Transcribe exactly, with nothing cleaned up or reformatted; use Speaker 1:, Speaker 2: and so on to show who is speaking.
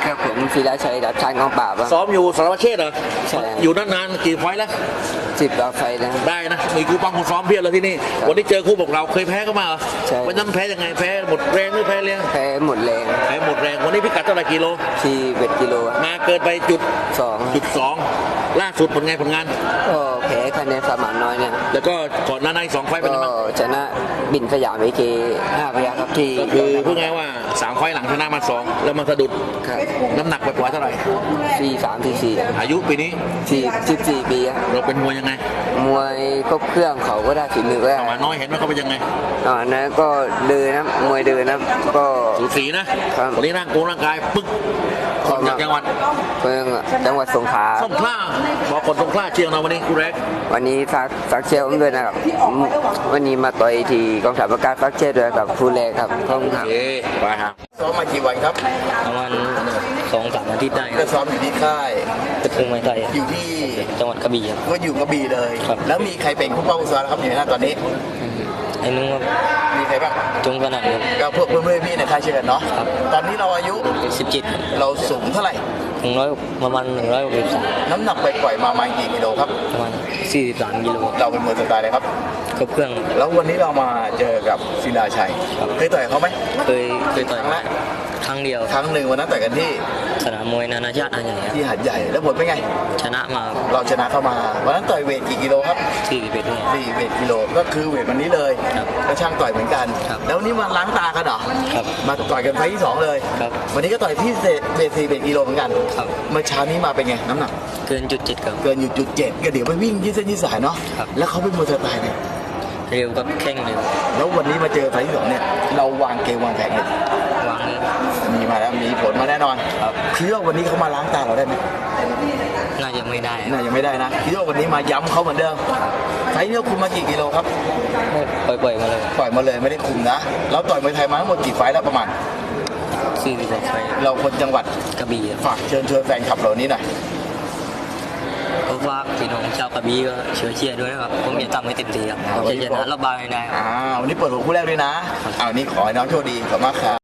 Speaker 1: ครับผมศิลาชัยดับชันของป่าบ
Speaker 2: ซ้อมอยู่สารวัตรเชษฐ์เหรอ
Speaker 1: ใช่
Speaker 2: อยู่นานๆกี่ไฟล์แล้ว
Speaker 1: สิบกว่าไฟนะ
Speaker 2: ได้นะมีครูปังครูซ้อมเพียบเลยที่นี่วันนี้เจอคู่บอกเราเคยแพ้ก็มาเหรอ
Speaker 1: ใช่
Speaker 2: วันนั้นแพ้ยังไงแพ้หมดแรงหรือแพ้เลี้ยง
Speaker 1: แพ้หมดแรง
Speaker 2: แพ้หมดแรงวันนี้พิกัดเท่าไหร่กิโล
Speaker 1: ที่เวทกิโล
Speaker 2: มาเกินไปจุด
Speaker 1: สอง
Speaker 2: จุดสองล่าสุดผลงานผลงาน
Speaker 1: ก็แพ้คะแนนสมานน้อยเนี่ย
Speaker 2: แล้วก็ก่อนหน้านั้นอีกสองไฟล์เป็น
Speaker 1: ก็
Speaker 2: ยังไงบ้าง
Speaker 1: ชนะบินสยามเอเคห้าพยัคฆ์ครับที่
Speaker 2: ก็คือพูดง่ายว่าสามไฟล์หลังชนะมาสองแล้วมาสะดุด
Speaker 1: ครับ
Speaker 2: น้ำหนักปล่อยๆเท่าไหร่
Speaker 1: สี่สามสี่สี่
Speaker 2: อายุปีนี้
Speaker 1: สี่สิบสี่ปีครับ
Speaker 2: เราเป็นมวยยังไง
Speaker 1: มวยครบเครื่องเขาก็ได้ฝีมือก็ได้
Speaker 2: ประมาณน้อยเห็นว่าเขาเป็นยังไง
Speaker 1: อ่านะก็เดินนะมวยเดินนะก็
Speaker 2: สูสีนะครับ วันนี้ร่างกายร่างกายปึ๊กคนจากจังหวัด
Speaker 1: เมืองจังหวัดสงขลา
Speaker 2: สงขลาบอกคนสงขลาเชียงเราวันนี้กูแรก
Speaker 1: วันนี้ซักซักเชียร์ผมด้วยนะครับวันนี้มาต่อยที่กองทัพอากาศซักเชียร์ด้วยกับครูแรกครับขอบคุณครับ
Speaker 2: เอ๊ไปครับ
Speaker 3: ซ้อมมากี่วันครับ
Speaker 4: ประมาณสองสามอาทิตย์ได้ค
Speaker 3: ก็
Speaker 4: รับ
Speaker 3: ซ้อมอยู่ที่ค่าย
Speaker 4: เป็นภูมิไทย
Speaker 3: อยู่ที่
Speaker 4: จังหวัดกระบี่ครับ
Speaker 3: ก็อยู่กระบี่เลย
Speaker 4: ครับ
Speaker 3: แล้วมีใครเป็นผู้ป้องกันครับอยู่ในหน้าตอนนี้
Speaker 4: ไอ้นึงว่า
Speaker 3: มีใครบ้าง
Speaker 4: จงกระหนันครับ
Speaker 3: ก็พวกเพื่อนๆพี่ในค่ายเชียร์กันเนาะ
Speaker 4: ครับ
Speaker 3: ตอนนี้เราอายุ
Speaker 4: สิบเจ็ด
Speaker 3: เราสูงเท่าไหร่
Speaker 4: หนึ่งร้อยประมาณหนึ่งร้อยหกสิบสาม
Speaker 3: น้ำหนักไปปล่อยๆมาประมาณกี่กิโลครับ
Speaker 4: ประมาณสี่สิบสามกิโล
Speaker 3: เราเป็นมวยสไตล์เลยครับ
Speaker 4: ครบเครื่อง
Speaker 3: แล้ววันนี้เรามาเจอกับศิลาชัย
Speaker 4: ครับ
Speaker 3: เคยต่อยเขาไหม
Speaker 4: เคยเคยต่อย
Speaker 3: ครั้งแรก
Speaker 4: ครั้งเดียว
Speaker 3: ครั้งหนึ่งวันนั้นต่อยกันที่
Speaker 4: สนามมวยนานาชาติอันใหญ่ครับ
Speaker 3: ที่หาดใหญ่แล้วผลเป็นไง
Speaker 4: ชนะมา
Speaker 3: เราชนะเข้ามาวันนั้นต่อยเวทกี่กิโลครับ
Speaker 4: สี่สิบเอ็ดเนี่ย
Speaker 3: สี่เวทกิโลก็คือเวทวันนี้เลย
Speaker 4: ครับ
Speaker 3: ก็ช่างต่อยเหมือนกัน
Speaker 4: ครับ
Speaker 3: แล้ววันนี้มาล้างตากันเหรอ
Speaker 4: ครับ
Speaker 3: มาต่อยกันไฟล์ที่สองเลย
Speaker 4: ครับ
Speaker 3: วันนี้ก็ต่อยที่เวทสี่เวทกิโลเหมือนกัน
Speaker 4: ครับ
Speaker 3: เมื่อเช้านี้มาเป็นไงน้ำหนัก
Speaker 4: เกินจุดเจ็ดครับ
Speaker 3: เกินอยู่จุดเจ็ดก็เดี๋ยวไปวิ่งยืดเส้นยืดสายเนาะ
Speaker 4: ครับ
Speaker 3: แล้วเขาเป็นมวยสไตล์เนี่ย
Speaker 4: เร็วกับแข้งเร็ว
Speaker 3: แล้ววันนี้มาเจอไฟล์ที่สองเนี่ยเราวางเกมวางแผนกัน
Speaker 4: วางเลย
Speaker 3: มีมาแล้วมีผลมาแน่นอน
Speaker 4: ครับ
Speaker 3: คิดว่าวันนี้เขามาล้างตาเราได้ไหม
Speaker 4: น่าจะไม่ได้
Speaker 3: น่ายังไม่ได้นะคิดว่าวันนี้มาย้ำเขาเหมือนเดิมไฟล์นี้เราคุมมากี่กิโลครับ
Speaker 4: ปล่อยๆมาเลย
Speaker 3: ปล่อยมาเลยไม่ได้คุมนะเราต่อยมวยไทยมาทั้งหมดกี่ไฟล์แล้วประมาณ
Speaker 4: สี่สิบกว่าไฟ
Speaker 3: เราคนจังหวัด
Speaker 4: กระบี่ครับ
Speaker 3: ฝากเชิญชวนแฟนคลับเรานี้หน่อย
Speaker 4: ก็ฝากพี่น้องชาวกระบี่ก็เชียร์เชียร์ด้วยนะครับผมจะทำให้เต็มที่ครับจะชนะรอบบายได้ครับ
Speaker 3: อ่าวันนี้เปิดหัวคู่แรกด้วยนะอ้าวนี่ขอให้น้องโชคดีขอบคุณมากครับ